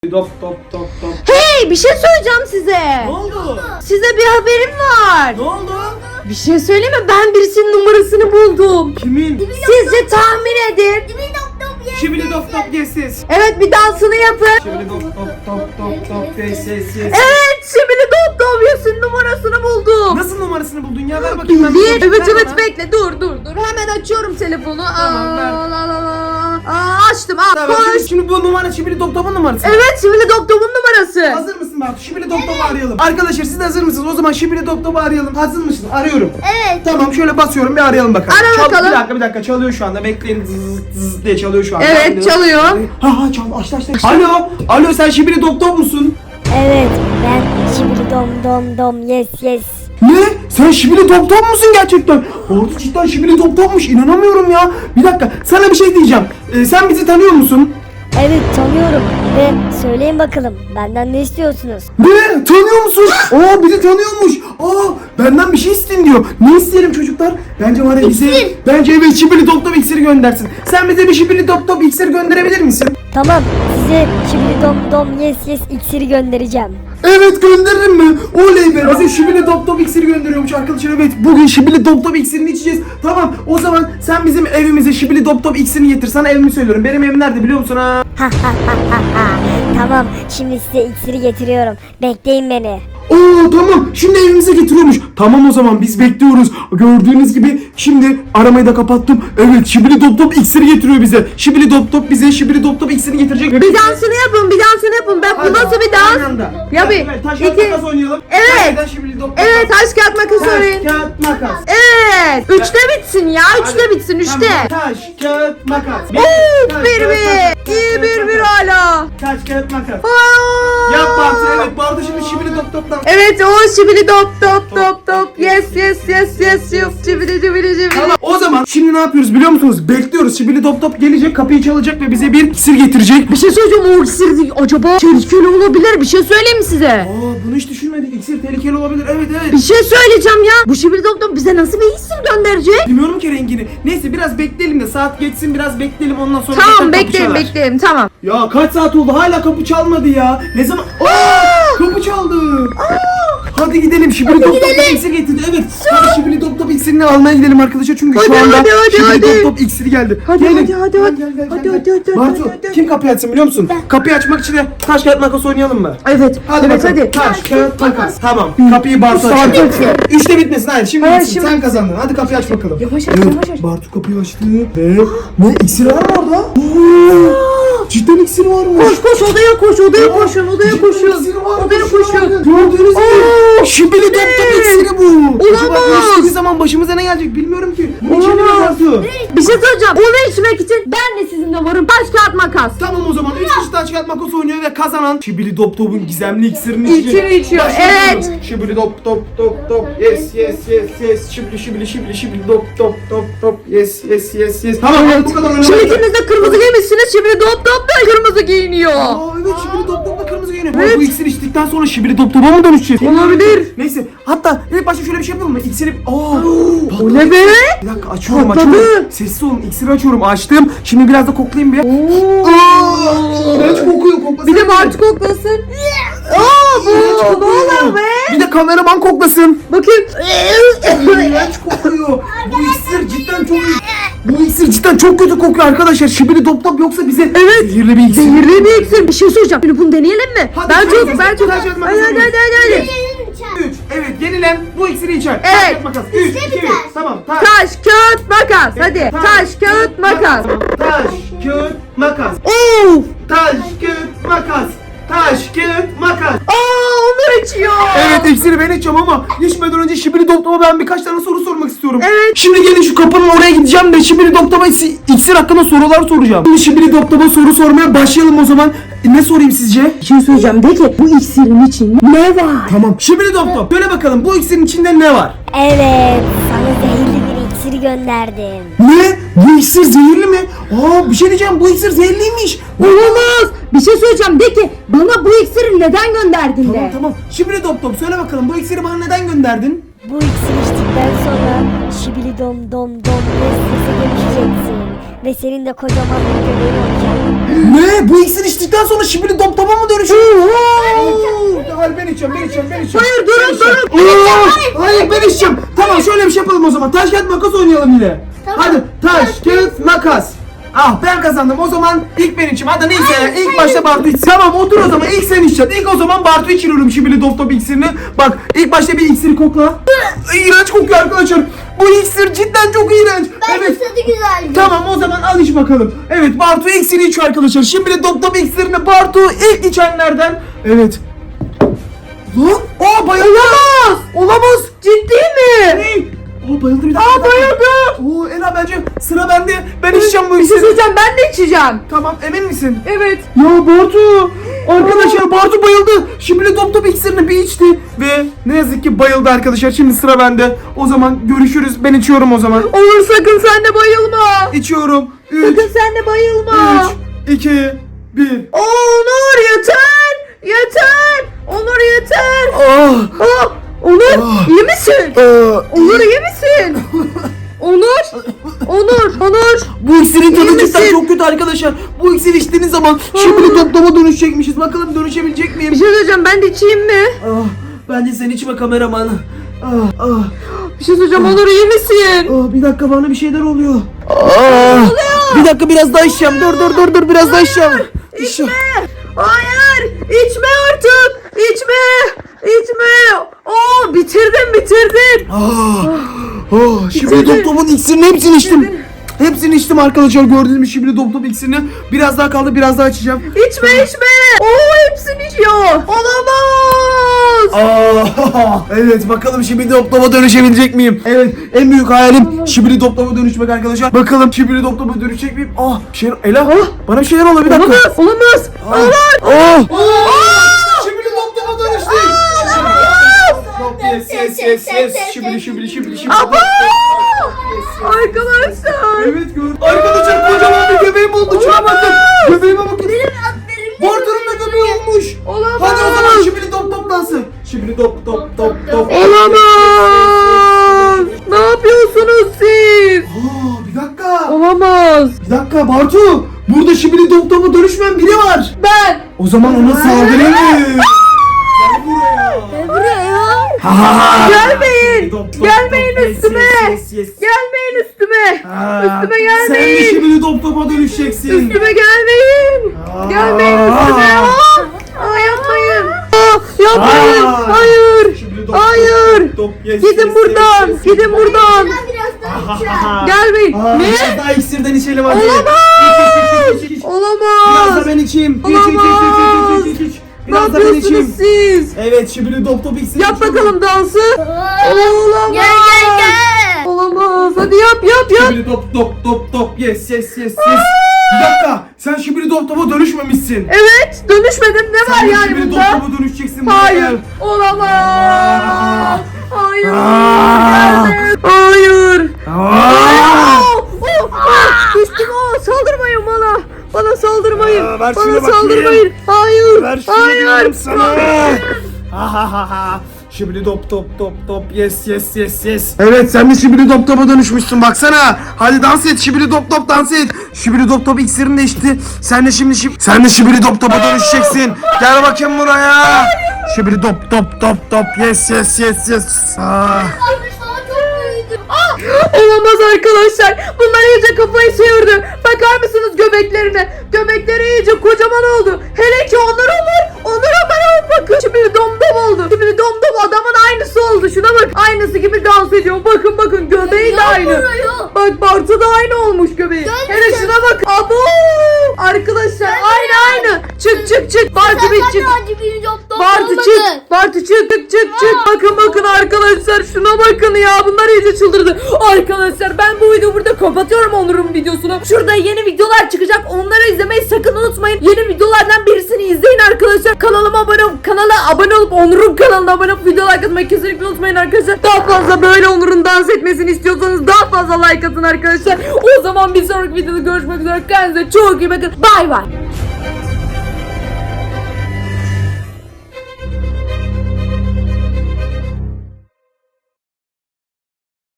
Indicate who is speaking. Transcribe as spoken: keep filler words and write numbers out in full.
Speaker 1: Top top top top.
Speaker 2: Hey, bir şey söyleyeceğim size.
Speaker 1: Ne oldu?
Speaker 2: Size bir haberim var.
Speaker 1: Ne oldu?
Speaker 2: Bir şey söyleyeyim mi? Ben birisinin numarasını buldum.
Speaker 1: Kimin?
Speaker 2: Sizce tahmin edin.
Speaker 1: Şibili top top yes yes.
Speaker 2: Evet, bir dansını yapın.
Speaker 1: Şibili top top top top top yes yes yes.
Speaker 2: Evet, şimdi Dop Dop Yes'in numarasını buldum.
Speaker 1: Nasıl numarasını buldun ya? Ver bakayım ben.
Speaker 2: Bir,
Speaker 1: bir
Speaker 2: evet
Speaker 1: ver
Speaker 2: evet
Speaker 1: bana.
Speaker 2: bekle, dur dur dur. Hemen açıyorum telefonu.
Speaker 1: Tamam, ver.
Speaker 2: Aa, la, la, la. Aa, açtım, al
Speaker 1: Tamam,
Speaker 2: koş.
Speaker 1: şimdi, şimdi bu numara Şibili top top'un numarası.
Speaker 2: Evet, şimdi Dop Dop'un numarası.
Speaker 1: Hazır mısın Batu? Şibili top top'u arayalım. Arkadaşlar siz de hazır mısınız? O zaman Şibili top top'u arayalım. Hazır mısın? Arıyorum.
Speaker 2: Evet.
Speaker 1: Tamam, şöyle basıyorum, bir arayalım bakalım.
Speaker 2: Ara
Speaker 1: Çal-
Speaker 2: bakalım.
Speaker 1: Bir dakika bir dakika çalıyor şu anda. Bekleyin, zız zız diye çalıyor şu anda.
Speaker 2: Evet,
Speaker 1: Hadi.
Speaker 2: çalıyor.
Speaker 1: Ha ha çal, açtı açtı. Alo. Alo, sen Şibili top top musun?
Speaker 3: Evet, ben şimdi dom dom dom yes yes.
Speaker 1: Ne? Sen Şibili top top musun gerçekten? Orada cidden Şibili top topmuş. İnanamıyorum ya. Bir dakika, sana bir şey diyeceğim. Ee, sen bizi tanıyor musun?
Speaker 3: Evet, tanıyorum ve söyleyin bakalım benden ne istiyorsunuz?
Speaker 1: Ne? Tanıyor musun? Aa, bizi tanıyormuş. Aa, benden bir şey isteyin diyor. Ne isteyelim çocuklar? Bence var ya bize... Bence evet, Şibili top top iksiri göndersin. Sen bize bir Şibili top top iksir gönderebilir misin?
Speaker 3: Tamam, size şimdi dom dom yes yes iksiri göndereceğim.
Speaker 1: Evet, gönderirim mi? Oley be, bize Şibili top top iksiri gönderiyormuş arkadaşlar. Evet, bugün Şibili top top iksirini içeceğiz. Tamam, o zaman sen bizim evimize Şibili top top iksirini getir. Sana evimi söylüyorum. Benim evim nerede biliyor musun ha?
Speaker 3: Tamam, şimdi size iksiri getiriyorum. Bekleyin beni.
Speaker 1: Oo tamam, şimdi evimize getiriyormuş. Tamam, o zaman biz bekliyoruz. Gördüğünüz gibi şimdi aramayı da kapattım. Evet, Şibili top top iksiri getiriyor bize. Şibili top top bize Şibili top top iksirini getirecek.
Speaker 2: Bir dansını yapın, bir dansını yapın. Ben bu nasıl bir dans? Ya bir,
Speaker 1: Evet, taş
Speaker 2: iki-
Speaker 1: kağıt makas oynayalım.
Speaker 2: Evet.
Speaker 1: Taş, Şibili top top.
Speaker 2: Evet, taş kağıt makas
Speaker 1: Taş
Speaker 2: oynayın.
Speaker 1: kağıt makas.
Speaker 2: Evet. Üçte bitsin ya. Üçte bitsin. Üçte.
Speaker 1: Tamam, taş kağıt makas.
Speaker 2: Of,
Speaker 1: Taş,
Speaker 2: bir
Speaker 1: kağıt,
Speaker 2: bir.
Speaker 1: makas.
Speaker 2: İyi
Speaker 1: Taş,
Speaker 2: bir
Speaker 1: kağıt,
Speaker 2: bir
Speaker 1: makas.
Speaker 2: hala.
Speaker 1: Taş kağıt makas.
Speaker 2: Aa.
Speaker 1: Yap Bartu, evet Bartu şimdi Şibili top toptan.
Speaker 2: Evet, o şibili dop dop dop dop. Yes yes yes yes yes. Şibili şibili şibili.
Speaker 1: Tamam, o zaman şimdi ne yapıyoruz biliyor musunuz? Bekliyoruz. Şibili top top gelecek, kapıyı çalacak ve bize bir iksir getirecek.
Speaker 2: Bir şey söyleyeceğim, o iksir acaba tehlikeli olabilir. Bir şey söyleyeyim mi size?
Speaker 1: Aa, bunu hiç düşünmedik. İksir tehlikeli olabilir. Evet evet.
Speaker 2: Bir şey söyleyeceğim ya. Bu şibili dop dop bize nasıl bir iksir gönderecek?
Speaker 1: Bilmiyorum ki rengini. Neyse, biraz bekleyelim de saat geçsin, biraz bekleyelim, ondan sonra
Speaker 2: Tamam,
Speaker 1: tekrar kapı
Speaker 2: bekleyin
Speaker 1: çalar.
Speaker 2: bekleyin, tamam.
Speaker 1: Ya kaç saat oldu, hala kapı çalmadı ya. Ne zaman? Aa, kapı çaldı. Hadi gidelim, Şibili top top iksir getirdi. Evet. Hadi Şibili top top iksirini almaya gidelim arkadaşlar, çünkü şu
Speaker 2: Hadi,
Speaker 1: anda
Speaker 2: hadi, hadi,
Speaker 1: Şibili
Speaker 2: hadi.
Speaker 1: top top iksiri geldi.
Speaker 2: Hadi,
Speaker 1: Gelin.
Speaker 2: hadi, hadi,
Speaker 1: Gel,
Speaker 2: hadi.
Speaker 1: gel, gel,
Speaker 2: Hadi,
Speaker 1: gel,
Speaker 2: hadi,
Speaker 1: gel.
Speaker 2: hadi,
Speaker 1: Bartu,
Speaker 2: hadi, hadi.
Speaker 1: kim kapıyı açsın biliyor musun? Kapıyı açmak için de taş kağıt makas oynayalım mı?
Speaker 2: Evet.
Speaker 1: Hadi
Speaker 2: evet,
Speaker 1: bakalım.
Speaker 2: hadi.
Speaker 1: Taş, kağıt, makas. Tamam. Kapıyı Bartu
Speaker 2: Saat
Speaker 1: açıyor.
Speaker 2: açıyor.
Speaker 1: Üçte bitmesin. Hayır, şimdi
Speaker 2: Hayır,
Speaker 1: bitsin.
Speaker 2: şimdi
Speaker 1: Sen kazandın. Hadi kapıyı aç bakalım.
Speaker 2: Yavaş aç,
Speaker 1: Evet,
Speaker 2: yavaş aç.
Speaker 1: Bartu kapıyı açtı. Ve ne, iksir var mı orada? Oo, cidden iksir varmış.
Speaker 2: Koş koş odaya koş, odaya
Speaker 1: Aa,
Speaker 2: koşun, odaya
Speaker 1: cidden
Speaker 2: koşun.
Speaker 1: iksiri varmış
Speaker 2: Odaya
Speaker 1: ya.
Speaker 2: koşun.
Speaker 1: Gördüğünüz gibi. Şibili top top iksiri bu. Acaba
Speaker 2: Olamaz.
Speaker 1: bu içtiği zaman başımıza ne gelecek bilmiyorum ki. Bunu içelim mi
Speaker 2: Olamaz.
Speaker 1: Bartu?
Speaker 2: Bir şey söyleyeceğim. Onu içmek için ben de sizinle varım. Taş kağıt makas.
Speaker 1: Tamam, o zaman üç kişi taş kağıt makas oynuyor ve kazanan Şibili top topun gizemli iksirini içecek.
Speaker 2: İçini içiyor,
Speaker 1: Başlıyoruz.
Speaker 2: evet.
Speaker 1: Şibili top top top top. Yes yes yes yes. Şibili şibili şibili şibili top top top top. Yes yes yes yes. Tamam,
Speaker 2: Evet.
Speaker 1: bu kadar
Speaker 2: Şimdi
Speaker 1: oynamaya.
Speaker 2: ikiniz de kırmızı giymişsiniz. Şimdi dop dop da kırmızı giyiniyor.
Speaker 1: Aa, evet, Şibili top top da kırmızı giyiniyor.
Speaker 2: Evet.
Speaker 1: Bu iksir içtikten sonra Şibili top topa mı dönüşeceğiz?
Speaker 2: Olabilir.
Speaker 1: Neyse, hatta ilk başta şöyle bir şey yapalım mı? İksiri... Aa,
Speaker 2: O ne be?
Speaker 1: Bir dakika, açıyorum
Speaker 2: Patladı.
Speaker 1: açıyorum. Sessiz olun, iksiri açıyorum. Açtım. Şimdi biraz da koklayayım bir. Aa, iğrenç kokuyor, koklasın.
Speaker 2: Bir de Bartu koklasın. Aa, bu
Speaker 1: İğrenç
Speaker 2: ne
Speaker 1: kokuyor.
Speaker 2: oluyor be?
Speaker 1: Bir de kameraman koklasın.
Speaker 2: Bakayım.
Speaker 1: İğrenç kokuyor. Bu iksir cidden çok iyi. Bu iksir cidden çok kötü kokuyor arkadaşlar. Şibili top top yoksa bize
Speaker 2: Evet.
Speaker 1: zehirli bir iksir.
Speaker 2: Zehirli bir iksir. Bir şey söyleyeceğim. Şimdi bunu deneyelim mi?
Speaker 1: Hadi,
Speaker 2: ben
Speaker 1: hadi,
Speaker 2: çok,
Speaker 1: hadi,
Speaker 2: ben çok.
Speaker 1: hadi,
Speaker 2: Hadi
Speaker 1: hadi,
Speaker 2: hadi
Speaker 1: hadi,
Speaker 2: hadi hadi. hadi.
Speaker 1: üç. Evet, yenilen bu iksiri içer.
Speaker 2: Evet.
Speaker 1: Taş, makas. üç, iki, bir. Tamam. Taş.
Speaker 2: Taş, kağıt, makas. Hadi. Taş, kağıt, makas.
Speaker 1: Taş, kağıt, makas.
Speaker 2: Of.
Speaker 1: Taş, kağıt, makas. Taş, kağıt, makas.
Speaker 2: Aa, onu içiyor.
Speaker 1: Evet, iksiri ben içeceğim ama içmeden önce Şibili Doktor'a ben birkaç tane soru sormak istiyorum.
Speaker 2: Evet.
Speaker 1: Şimdi gelin şu kapının oraya gideceğim de Şibili Doktor'a isi- iksir hakkında sorular soracağım. Şimdi Şibili Doktor'a soru sormaya başlayalım o zaman. E, ne sorayım sizce?
Speaker 2: Bir şey söyleyeceğim. De ki bu iksirin içinde ne var?
Speaker 1: Tamam. Şibili Doktor, söyle bakalım bu iksirin içinde ne var?
Speaker 3: Evet, sana zehirli bir iksiri gönderdim.
Speaker 1: Ne? Bu iksir zehirli mi? Aa, bir şey diyeceğim, bu iksir zehirliymiş.
Speaker 2: Olamaz. Bir şey söyleyeceğim. De ki bana bu iksiri neden gönderdin
Speaker 1: Tamam
Speaker 2: de.
Speaker 1: tamam. Şibili Doktor, söyle bakalım bu iksiri bana neden gönderdin?
Speaker 3: Bu iksiri içtikten sonra şibili dom dom dom yes yes'e dönüşeceksin. ve senin de kocaman bir göbeğin olacak.
Speaker 1: Ne? Bu iksir içtikten sonra şibili dop topa mı dönüşüyor? Oo! Hayır ben içeceğim, ben içeceğim, ben içeceğim.
Speaker 2: Hayır, durun,
Speaker 1: Ben içeceğim. Oo! Hayır ben içeceğim. Tamam şöyle bir şey yapalım o zaman. Taş kağıt makas oynayalım yine.
Speaker 4: Tamam.
Speaker 1: Hadi taş kağıt makas. Ah ben kazandım o zaman ilk ben içeyim. Hadi neyse
Speaker 4: Hayır,
Speaker 1: ilk
Speaker 4: hayır.
Speaker 1: başta Bartu içsin. Tamam otur o zaman ilk sen içeceksin. İlk o zaman Bartu içiriyorum şibili dop top iksirini. Bak ilk başta bir iksiri kokla. İğrenç kokuyor arkadaşlar. Bu iksir cidden çok iğrenç.
Speaker 4: Ben
Speaker 1: Evet.
Speaker 4: tadı güzel.
Speaker 1: Tamam o zaman al iç bakalım. Evet Bartu iksiri içiyor arkadaşlar. Şimdi dop top iksirini Bartu ilk içenlerden. Evet. Lan o bayıldı. Olamaz. Olamaz.
Speaker 2: Ciddi mi?
Speaker 1: Ne? O bayıldı bir dakika.
Speaker 2: Aa, bayıldı.
Speaker 1: Oo Ela bence sıra bende. Ben içeceğim bu
Speaker 2: Bir şey
Speaker 1: iksiri.
Speaker 2: söyleyeceğim, ben de içeceğim.
Speaker 1: Tamam emin misin?
Speaker 2: Evet.
Speaker 1: Ya Bartu. Arkadaşlar Bartu bayıldı. Şimdi dop top iksirini bir içti. Ve ne yazık ki bayıldı arkadaşlar. Şimdi sıra bende. O zaman görüşürüz. Ben içiyorum o zaman.
Speaker 2: Olur, sakın sen de bayılma.
Speaker 1: İçiyorum. üç,
Speaker 2: Sakın sen de bayılma.
Speaker 1: üç, iki, bir.
Speaker 2: Onur yeter. Yeter. Onur yeter.
Speaker 1: Ah.
Speaker 2: Aa, Onur
Speaker 1: Ah.
Speaker 2: iyi misin?
Speaker 1: Ah.
Speaker 2: Onur iyi misin? Onur. Onur. Onur.
Speaker 1: Bu iksirin
Speaker 2: İyi
Speaker 1: tadı
Speaker 2: misin?
Speaker 1: cidden çok kötü arkadaşlar. Bu iksir içtiğiniz zaman şimdi top topa dönüşecekmişiz. Bakalım dönüşebilecek miyim?
Speaker 2: Bir şey söyleyeceğim, ben de içeyim mi?
Speaker 1: Ah, bence sen içme kameraman. Ah, ah,
Speaker 2: Bir şey söyleyeceğim, Onur iyi misin?
Speaker 1: ah, bir dakika bana bir şeyler oluyor. Ah, bir dakika biraz daha içeceğim. Dur dur dur dur biraz daha içeceğim. İçme.
Speaker 2: Hayır, içme artık. İçme. İçme. Oo, bitirdin bitirdin.
Speaker 1: Ah, ah, şimdi
Speaker 2: Bitirdin.
Speaker 1: top topun iksirini hepsini içtim.
Speaker 2: Bitirdin.
Speaker 1: Hepsini içtim arkadaşlar gördüğünüz gibi şimdi top top iksirini. Biraz daha kaldı biraz daha içeceğim.
Speaker 2: İçme içme. Oo, hepsini içiyor. Olamaz.
Speaker 1: Aa, evet bakalım şimdi top topa dönüşebilecek miyim? Evet en büyük hayalim şibili top topa dönüşmek arkadaşlar. Bakalım şibili top topa dönüşecek miyim? Ah bir şey Ela bana bir şeyler oluyor bir dakika.
Speaker 2: Olamaz. Olamaz.
Speaker 1: Ah, ah, ah, şibili top topa dönüştü. Yes yes yes yes şibili şibili şibili şibili.
Speaker 2: Aba! Arkadaşlar.
Speaker 1: Evet gördüm. Arkadaşlar kocaman bir göbeğim oldu. Şuna bakın. Göbeğime bakın. Bartu'nun da göbeği olmuş.
Speaker 2: Olamaz.
Speaker 1: Hadi o zaman şibili top top dansı. Şibili top top top top.
Speaker 2: Olamaz. Ne yapıyorsunuz siz?
Speaker 1: Aa, bir dakika.
Speaker 2: Olamaz.
Speaker 1: Bir dakika Bartu. Burada şibili top topa dönüşmeyen biri var.
Speaker 2: Ben.
Speaker 1: O zaman ona saldırayım. Gel buraya.
Speaker 3: Ne buraya ya?
Speaker 1: Ha, ha, ha.
Speaker 2: Gelmeyin.
Speaker 1: Top, top,
Speaker 2: Gelmeyin
Speaker 1: top, yes,
Speaker 2: üstüme.
Speaker 1: yes, yes, yes.
Speaker 2: Gelmeyin üstüme.
Speaker 1: Ha,
Speaker 2: Üstüme
Speaker 1: Sen de
Speaker 2: gelmeyin.
Speaker 1: şibili top topa dönüşeceksin.
Speaker 2: Üstüme gelmeyin.
Speaker 1: Aa.
Speaker 2: Gelmeyin üstüme. Aa, aa, yapmayın. Aa, yapmayın.
Speaker 1: Aa.
Speaker 2: Hayır.
Speaker 1: Şibili top,
Speaker 2: Hayır.
Speaker 1: top, top, yes,
Speaker 2: Gidin
Speaker 1: yes,
Speaker 2: buradan.
Speaker 1: yes, yes.
Speaker 2: Gidin buradan.
Speaker 4: Biraz daha
Speaker 1: Ha,
Speaker 4: içeceğim.
Speaker 1: ha, ha.
Speaker 2: Gelmeyin.
Speaker 1: Aa,
Speaker 2: Ne?
Speaker 1: biraz daha iksirden içelim hadi.
Speaker 2: Olamaz.
Speaker 1: İç, iç, iç, iç, iç. Biraz
Speaker 2: Olamaz.
Speaker 1: da ben içeyim. İç, iç, iç,
Speaker 2: Olamaz.
Speaker 1: iç, iç, iç, iç.
Speaker 2: Ne
Speaker 1: Biraz da ben
Speaker 2: yapıyorsunuz
Speaker 1: içeyim.
Speaker 2: siz?
Speaker 1: Evet şimdi top top iksir
Speaker 2: Yap
Speaker 1: içiyorum.
Speaker 2: bakalım dansı. Olamaz.
Speaker 4: Gel gel gel.
Speaker 2: Olamaz. Hadi yap yap yap.
Speaker 1: Şimdi top top top top yes yes yes yes. Bir dakika sen şimdi top topa dönüşmemişsin.
Speaker 2: Evet. Dönüşmedim. Ne var
Speaker 1: Sen de
Speaker 2: yani
Speaker 1: şimdi top
Speaker 2: bunda?
Speaker 1: topa dönüşeceksin.
Speaker 2: Hayır.
Speaker 1: buraya.
Speaker 2: Olamaz. Hayır.
Speaker 1: Aa.
Speaker 2: Gelme. Hayır.
Speaker 1: Aa.
Speaker 2: Oh, oh, oh. Düştüm. Oh, saldırmayın bana. Bana saldırmayın.
Speaker 1: Aa, ver şunu
Speaker 2: Bana
Speaker 1: bakayım.
Speaker 2: saldırmayın. Hayır.
Speaker 1: Ver şunu
Speaker 2: Hayır.
Speaker 1: diyorum sana. Ha ha ha ha. Şimdi top top top top yes yes yes yes. Evet sen de şibili top topa dönüşmüşsün baksana. Hadi dans et şibili top top dans et. Şibili top top iksirin de içti. Sen de şimdi şib sen de şibili top topa dönüşeceksin. Gel bakayım buraya. Şibili top top top top yes yes yes yes. Ah.
Speaker 2: Olamaz arkadaşlar. Bunlar iyice kafayı çevirdi. Bakar mısınız göbeklerine? Göbekleri iyice kocaman oldu. Hele ki Onur Onur. Onur Onur bakın. Şimdi domdom oldu. Şimdi domdom adamın aynısı oldu. Şuna bak. Aynısı gibi dans ediyor. Bakın bakın göbeği de aynı. Bak Bartu da aynı olmuş göbeği. Hele şuna bak. Abo. Arkadaşlar aynı aynı. Çık çık çık. Bartu bir çık. Bartu çık. Bartu çık çık çık çık. Bakın bakın arkadaşlar şuna bakın ya. Bunlar iyice çıldırdı. Arkadaşlar ben bu videoyu burada kapatıyorum Onur'un videosunu. Şurada yeni videolar çıkacak. Onları izlemeyi sakın unutmayın. Yeni videolardan birisini izleyin arkadaşlar. Kanalıma abone olup kanala abone olup Onur'un kanalına abone olup videolar atmayı kesinlikle unutmayın arkadaşlar. Daha fazla böyle Onur'un dans etmesini istiyorsanız daha fazla like atın arkadaşlar. O zaman bir sonraki videoda görüşmek üzere. Kendinize çok iyi bakın. Bay bay.